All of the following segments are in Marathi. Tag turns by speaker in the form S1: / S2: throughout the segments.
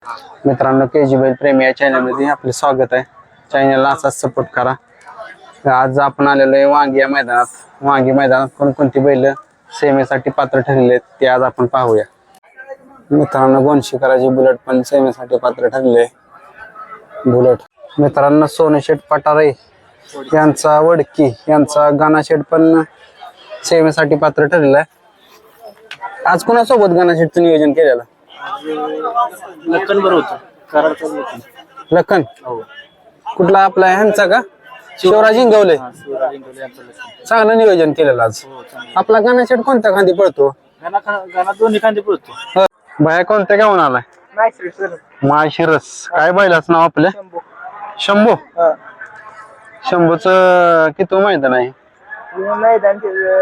S1: मित्रांनो, केजी बैल प्रेमी या चॅनल मध्ये आपले स्वागत आहे. चॅनलला असाच सपोर्ट करा. आज आपण आलेलो आहे वांगी मैदानात. वांगी मैदानात कोणकोणती बैल सेमीसाठी पात्र ठरलेले आहेत ते आज आपण पाहूया. मित्रांनो, गोंशीकराची बुलेट पण सेमीसाठी पात्र ठरले. बुलेट मित्रांनो, सोनशेठ पटारे यांचा वडकी यांचा गाणाशेठ पण सेमीसाठी पात्र ठरलेला आहे. आज कोणासोबत गाणाशेठचं नियोजन केलेलं?
S2: लखन बरं होतं.
S1: लखन कुठला आपला ह्यांचा का? शिवराज इंगवले. चांगलं नियोजन केलेलं आज. आपला गाणाशेठ कोणत्या खांदी पळतो?
S2: गाणं दोन्ही खांदे पळतो.
S1: बाया कोणत्या घेऊन आलाय? माळशिरस. काय बैलाच नाव आपल्या? शंभू. शंभूच किती मैदान आहे?
S2: मैदान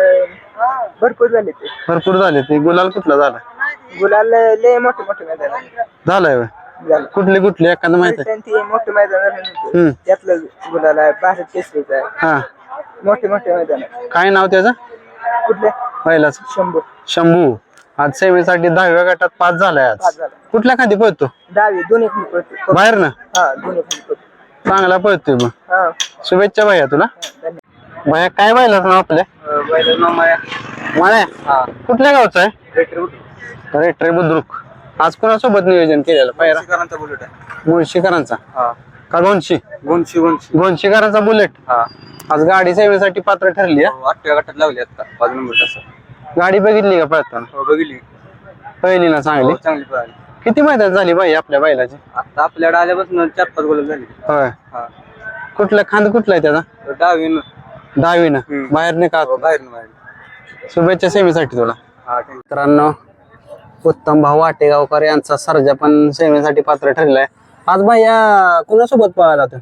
S1: भरपूर झाले ते. गुलाल कुठला झाला?
S2: गुलाल लय मोठे मोठे मैदान
S1: झालंय व्हय? कुठली कुठली एखादं माहिती आहे?
S2: मोठे मैदान त्यातलं गुलाल आहे. भारत केसरीचा आहे.
S1: हा,
S2: मोठे मोठे मैदान
S1: काय नाव त्याचं
S2: कुठले?
S1: बैलाच?
S2: शंभू.
S1: शंभू. आज सेमीसाठी 10व्या गटात पास झालाय. आज कुठल्या खांदी पळतो?
S2: डावी दोन्ही खांदे पळतो.
S1: बाहेर ना?
S2: हा, दोन्ही खांदे पळतो.
S1: चांगला पळतोय मग.
S2: हा,
S1: शुभेच्छा भैया तुला.
S2: धन्यवाद.
S1: भैया काय बैलाच नाव आपल्या?
S2: बैलाचं नाव माया.
S1: माळ्या.
S2: हा,
S1: कुठल्या गावचं आहे? रेट्रे बुद्रुक. आज कोणासोबत नियोजन केलेलं? पायरा
S2: शिकारांचा बुलेट आहे.
S1: मुळशीकरांचा
S2: हा,
S1: का गोंशी?
S2: गोंशी.
S1: गोंशीकरांचा बुलेट.
S2: हा,
S1: आज गाडी सेवेसाठी पात्र ठरली.
S2: 8व्या गटात लावली आता 5 नंबर तसं.
S1: गाडी बघितली का पळताना?
S2: हो, बघितली.
S1: पहिली ना चांगली.
S2: चांगली पळाली.
S1: किती मैदान झाली बाई आपल्या बैलाची?
S2: आता आपल्याकडे आल्यापासून 4-5 गोल झाली.
S1: होय.
S2: हा,
S1: कुठला खांद कुठला आहे त्याचा?
S2: डावीनं.
S1: 10वीनं. बाहेर नाही का?
S2: बाहेर.
S1: शुभेच्छा सेवेसाठी तुला.
S2: हा, ठीक.
S1: मित्रांनो, उत्तम भाऊ वाटेगावकर यांचा सर्जा पण सेवेसाठी पात्र ठरलाय. आज भैया कोणासोबत पळाला तू?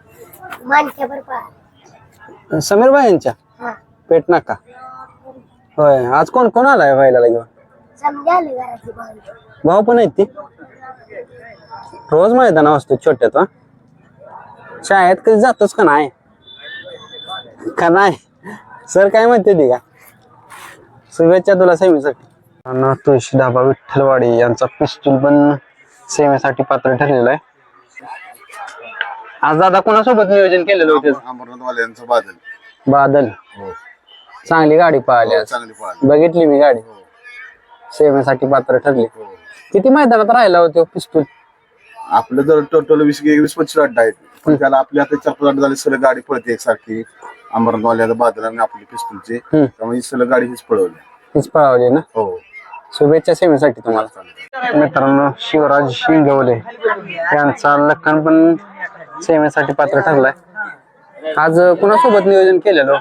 S1: समीर भाई यांच्या पेट नाका. होय. आज कोण कोण आलाय बैलाला घेऊन? भाऊ पण आहेत ती. रोज मैदान असतो छोट्यात. शाळेत कधी जातोच का नाही? का नाही? सर काय म्हणते ती का? शुभेच्छा तुला सेवेसाठी. तुळशी ढाबा विठ्ठलवाडी यांचा पिस्तूल पण सेवेसाठी पात्र ठरलेला आहे. आज दादा कोणासोबत नियोजन केलेलं होतं?
S3: अमरनाथवाल्यांचं बादल.
S1: बादल. चांगली गाडी पळाली आज.
S3: चांगली पळाली.
S1: बघितली मी गाडी. सेवेसाठी पात्र ठरली. किती मैदानात राहिला होतो पिस्तूल?
S3: आपलं जर टोटल 20-25 अड्डा आहेत, पण त्याला आपली आता 4-5 अड्डा झाले. सलग गाडी पळते एकसारखी. अमरनाथवाल्याचं बादल आणि आपली पिस्तूलची, त्यामुळे सलग गाडी हीच पळवली.
S1: हीच पळावली ना?
S3: हो.
S1: शुभेच्छा सेवेसाठी तुम्हाला. मित्रांनो, शिवराज शिंगवले यांचा लखन पण सेवेसाठी पात्र ठरलाय. आज कुणासोबत नियोजन केलेलं?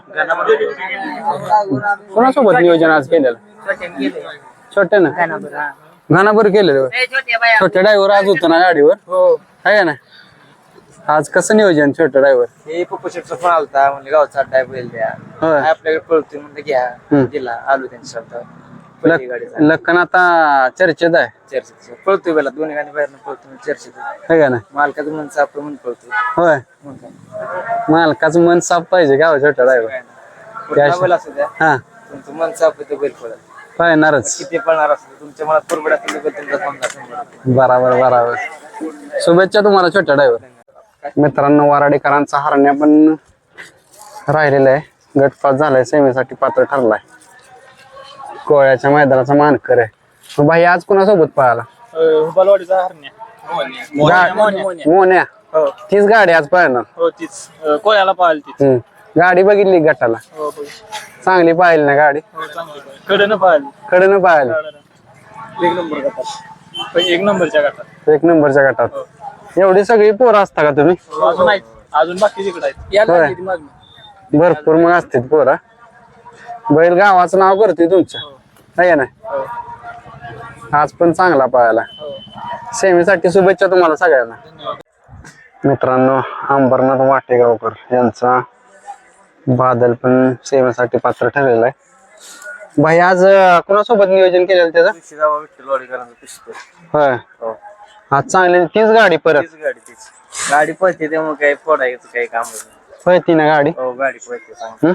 S1: कुणासोबत नियोजन आज केलेलं? छोटे ना? घानाभर केलेलं. छोट्या ड्रायव्हर आज होतो ना गाडीवर?
S2: हो.
S1: आहे ना? आज कसं नियोजन छोट्या ड्रायव्हर?
S2: हे पप्पूशेटचा फोन आलता, म्हणजे गावचा अड्डा आहे बैल द्या.
S1: होय.
S2: आपल्याकडे पळतोय म्हणलं घ्या. दिला, आलो त्यांच्या शब्दावर. पहिली गाडी झाली.
S1: लखन आता चर्चेत आहे.
S2: चर्चेत पळतोय बैला. दोन्ही गाडी बाहेर पळतोय चर्चेत.
S1: है का ना?
S2: मालकाचं मन सापड म्हणून पळतोय.
S1: होय.
S2: मग काय?
S1: मालकाचं मन साफ पाहिजे का छोटा ड्रायव्हर?
S2: कुठला बैल असू द्या,
S1: हा,
S2: तुमचं मन साफ होतं बैल पळत.
S1: पाहणारच.
S2: किती पळणार असतं तुमच्या मनात पुरबड असेल तर तुमचा समजा.
S1: बराबर बराबर. शुभेच्छा तुम्हाला छोटा ड्रायव्हर. मित्रांनो, वराडेकरांचा हरण्या पण राहिलेला आहे. गटपास झालाय, सेमीसाठी पात्र ठरलाय. कोळ्याच्या मैदानाचा मानकर आहे. भाई आज कोणासोबत पळाला?
S2: बालवाडीचा हरण्या.
S1: मोन्या.
S2: हो,
S1: तीच गाडी आज पळणार.
S2: हो, तीच कोळ्याला पाहिली तीच.
S1: गाडी बघितली गटाला?
S2: हो,
S1: चांगली पाहिली ना गाडी?
S2: कडनं पाहिली.
S1: कडनं पाहिली.
S2: 1 नंबर गटात. 1 नंबरच्या गटात.
S1: 1 नंबरच्या गटात. एवढी सगळी पोरं असता का तुम्ही?
S2: अजून आहेत, अजून बाकी तिकडे आहेत.
S1: होय. भरपूर मग असतील पोरं. बैल गावाचं नाव करतोय तुमच्या, आहे ना? आज पण चांगला पळाला. सेमीसाठी शुभेच्छा तुम्हाला सगळ्यांना. मित्रांनो, अंबरनाथ वाटेगावकर यांचा बादल पण सेमीसाठी पात्र ठरलेला आहे. भाई आज कोणासोबत नियोजन केलेलं त्याचं? होय. आज चांगली तीच गाडी परत.
S2: गाडी पळते त्यामुळे काही फोडायचं काही काम
S1: पळती ना गाडी?
S2: हो, गाडी पळते.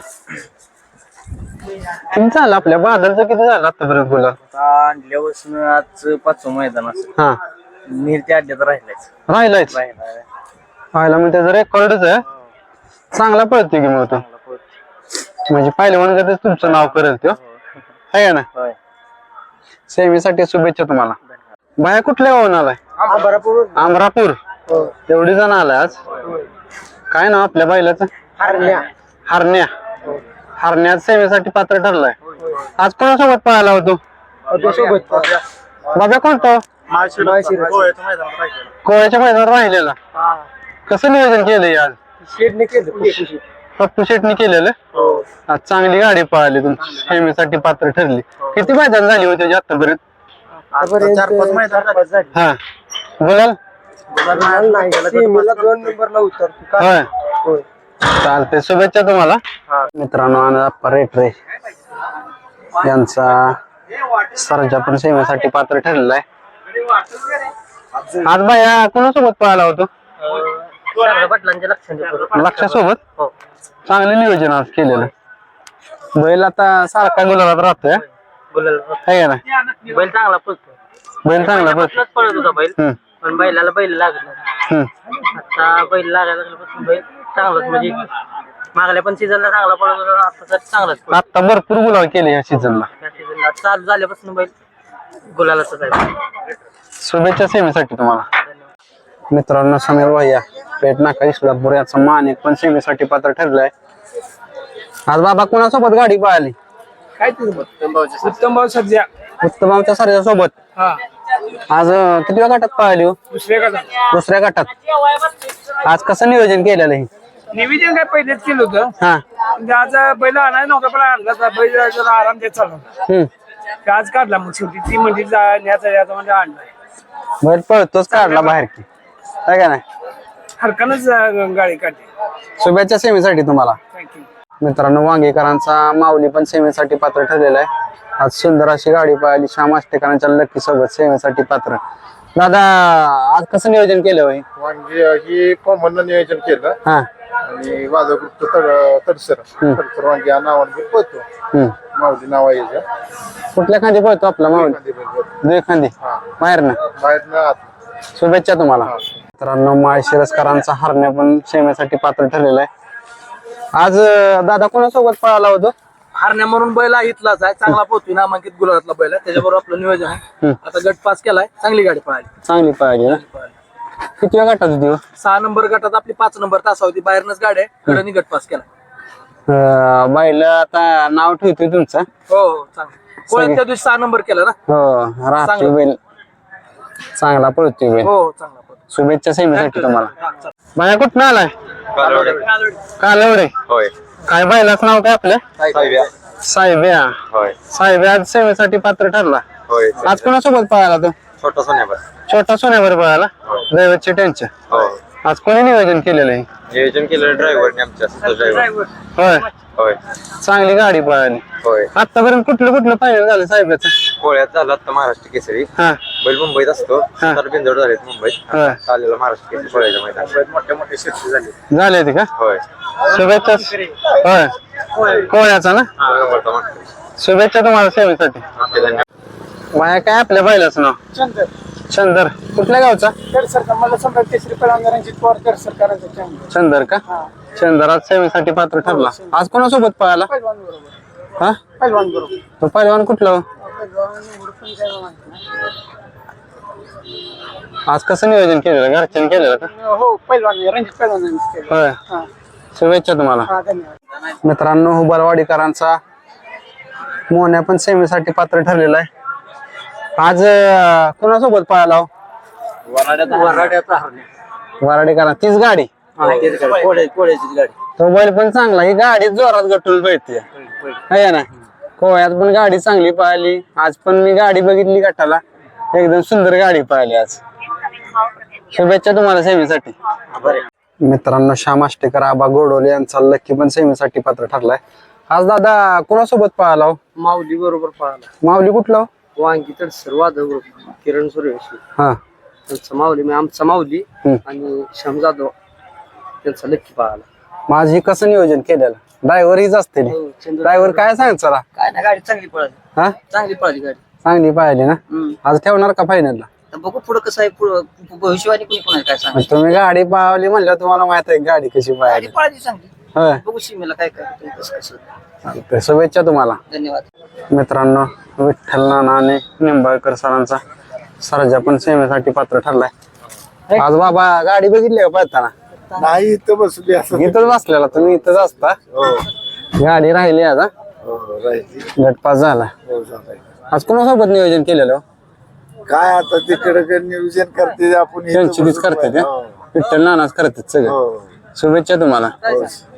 S1: किती झालं आपल्या बादलचं? किती झालं आतापर्यंत बोला?
S2: आणल्यापासून आज 5वं मैदान असेल.
S1: हा,
S2: निर्ती अड्ड्यात राहिलायच
S1: राहिलायच राहिला म्हणजे त्याचं रेकॉर्डच आहे. चांगला पळतोय की मग तो, म्हणजे पहिलवान तुमचं नाव करेल तो आहे ना. सेमीसाठी शुभेच्छा तुम्हाला. बाया कुठल्या गावून आलाय? अमरापूर. एवढी जण आलाय आज. काय नाव आपल्या बैलाचं? हरण्या. हरण्या सेवेसाठी पात्र ठरलाय. आज कोणासोबत पळाला होतो? बाबा कोणता? कोळ्याच्या मैदानात राहिलेला. कसं नियोजन केलंय आज? पप्पू शेटने केलेलं. आज चांगली गाडी पळाली तुमची, सेवेसाठी पात्र ठरली. किती मैदान झाली होती आतापर्यंत?
S2: 4-5 मैदान.
S1: हा बोलाल.
S2: 2 नंबरला उतरतो.
S1: होय चालते. शुभेच्छा तुम्हाला. मित्रांनो आनंद रेटरे यांचा सरजा पण सेवेसाठी पात्र ठरलेला आहे. आज बाया कोणासोबत पळाला होतो? लक्षासोबत. चांगले नियोजन आज केलेलं. बैल आता सारखा गुलाबात राहतोय है ना.
S2: बैल चांगला पळतो.
S1: बैल चांगला पळतो.
S2: पळत होता बैल, पण बैलाला बैल लागत नाही. आता बैल लागायला लागल्यापासून बैल चांगलाच, म्हणजे मागल्या पण सीझनला चांगला पळत होता, आता चांगलाच.
S1: आता भरपूर गुलाब केले या सीझनला.
S2: चालू झाल्यापासून बैल गुलालाच आहे.
S1: शुभेच्छा सेवेसाठी तुम्हाला. मित्रांनो समीर भैया पेट नाका इस्लामपूर याचा मानिक पण सेवेसाठी पात्र ठरलाय. आज बाबा कोणासोबत गाडी पळाली?
S2: काय उत्तम भाऊ सध्या
S1: उत्तमाच्या साऱ्या सोबत. आज किती वेळा गटात पळाली हो? दुसऱ्या गटात. आज कसं नियोजन केलेलं आहे?
S2: निवेदन काय पहिलेच केलं होतं.
S1: हा
S2: म्हणजे आज बैल आणायला नव्हता, पण आणला बैल जरा आराम देत चालला. आज काढला मग शेवटी ती म्हणजे न्याचा म्हणजे आणलाय.
S1: बैल पळतोच काढला बाहेर की काय का नाही.
S2: हरकानच गाडी काढली.
S1: शुभेच्छा सेवेसाठी तुम्हाला. मित्रांनो वांगेकरांचा माऊली पण सेवेसाठी पात्र ठरलेला आहे. आज सुंदर अशी गाडी पळाली श्याम आष्टेकरांच्या लक्की सोबत सेवेसाठी पात्र. दादा आज कसं नियोजन केलं होय?
S3: वांगी कॉमन नियोजन केलं
S1: हा
S3: आणि माझं ग्रुप तडसर वांगी या नावाने पळतो. माऊली नाव आहे याचं.
S1: कुठल्या खांदी पळतो आपला माऊली? दुई खांदी बाहेर ना.
S3: बाहेरनं
S1: शुभेच्छा तुम्हाला. मित्रांनो माळशिरसकरांचा हरण्या पण सेवेसाठी पात्र ठरलेला आहे. आज दादा कोणासोबत पळाला होतो?
S2: हरण्या म्हणून बैल इथलाच आहे, चांगला पोहतोय, नामांकित गुलाबातला बैल आहे, त्याच्याबरोबर आपलं नियोजन आहे. आता गट पास केलाय, चांगली गाडी पळाली.
S1: चांगली पळाली ना. किती वेळा गटात होती?
S2: 6 नंबर गटात आपली 5 नंबर तासा होती. बाहेरनच गाडी आहे, गटाने गट पास केला.
S1: बाईल आता नाव ठेवतोय तुमचं.
S2: हो चांगलं. कोळ्यात त्या दिवशी 6 नंबर केला ना.
S1: हो राहतोय बैल, चांगला पळतोय बैल.
S2: हो चांगला पळतो.
S1: शुभेच्छा सेवेसाठी तुम्हाला. बाया कुठं आलाय? कालवडे.
S3: होय.
S1: काय बैलाचं नाव काय आपलं? साहेब्या.
S3: होय.
S1: साहेब्या आज सेवेसाठी पात्र ठरला.
S3: होय.
S1: आज कोणासोबत पळाला तो?
S3: छोटा सोन्यावर.
S1: छोटा सोन्यावर पळाला. दैवतचे टेन्शन. आज कोणी नियोजन केलेलं आहे?
S3: नियोजन केलं ड्रायव्हरने आमच्या. ड्रायव्हर.
S1: होय
S3: होय.
S1: चांगली गाडी पळाली.
S3: होय.
S1: आतापर्यंत कुठलं फायनल झालं साहेबाचं?
S3: कोळ्यात झाला आता महाराष्ट्र केसरी.
S1: हा
S3: बैल मुंबईत असतो. तर बिंदोड झालेत मुंबईत.
S1: होय.
S3: चाललेला महाराष्ट्र केसरी कोळ्याच्या मैदानात मोठे मोठे शिर्षी झाले.
S1: झाले ते का?
S3: होय.
S1: शुभेच्छा. होय कोळ्याचा ना. शुभेच्छा तुम्हाला सेवेसाठी. माया काय आपल्या बैलाचं नाव? चंदर. कुठल्या गावचा? चंदर का? चंदर आज सेवेसाठी पात्र ठरला. आज कोणासोबत पळाला? हा तो पहिलवान कुठला हो? आज कसं नियोजन केलेलं? घरच्यांनी केलेलं का?
S2: हो पहिलवान रणजित पहिलवान.
S1: होय. शुभेच्छा तुम्हाला. मित्रांनो हुबारवाडीकरांचा मोन्या पण सेवेसाठी पात्र ठरलेला आहे. आज कोणासोबत पळाला? वराडेकरांना. तीच गाडी
S2: कोळ्याची गाडी.
S1: तो बैल पण चांगला. ही गाडी जोरात गटून पळते है ना. कोळ्यात पण गाडी चांगली पळाली. आज पण मी गाडी बघितली गटाला, एकदम सुंदर गाडी पळाली आज. शुभेच्छा तुम्हाला सेवेसाठी. मित्रांनो श्याम आष्टेकर आबा गोडोले यांचा लक्की पण सेवेसाठी पात्र ठरलाय. आज दादा कोणासोबत पळाला?
S2: माऊली बरोबर पळाला.
S1: माऊली कुठला?
S2: वांगी तर सर्वात किरण सूर्यवंशी.
S1: हा
S2: त्यांचा माऊली म्हणजे आमचा माऊली आणि श्याम जाधव त्यांचा लक्की पळाला.
S1: माझी कसं नियोजन केलेलं? ड्रायव्हर हीच असते. ड्रायव्हर काय सांग चला.
S2: काय ना गाडी चांगली पळाली.
S1: हा
S2: चांगली पळाली गाडी.
S1: चांगली पाहिली ना. आज ठेवणार का फायनलला?
S4: तर बघू पुढं कसं आहे भविष्यवाणी कोणी कोणाला काय सांग
S1: तुम्ही गाडी पावली म्हणलं तुम्हाला माहित आहे गाडी कशी पाहिली
S4: पाळायची चांगली
S1: होय
S4: बघू सीमेला काय काय होतंय, कसं कसं
S1: चालतंय. शुभेच्छा तुम्हाला.
S4: धन्यवाद.
S1: मित्रांनो विठ्ठल नाना आणि निंबाळकर सरांचा सरजा पण सेवेसाठी पात्र ठरलाय. आज बाबा गाडी बघितली का पळताना?
S3: नाही इथं बसली असं
S1: इथंच बसलेला तुम्ही, इथंच असता. गाडी राहिली आज हा?
S3: राहायची
S1: गटपास झाला. आज कोणासोबत नियोजन केलेलं?
S3: काय आता तिकडे नियोजन करते आपण इथं
S1: त्यांची तीच करते ते
S3: हो.
S1: विठ्ठल नानाच करतात सगळं. शुभेच्छा तुम्हाला.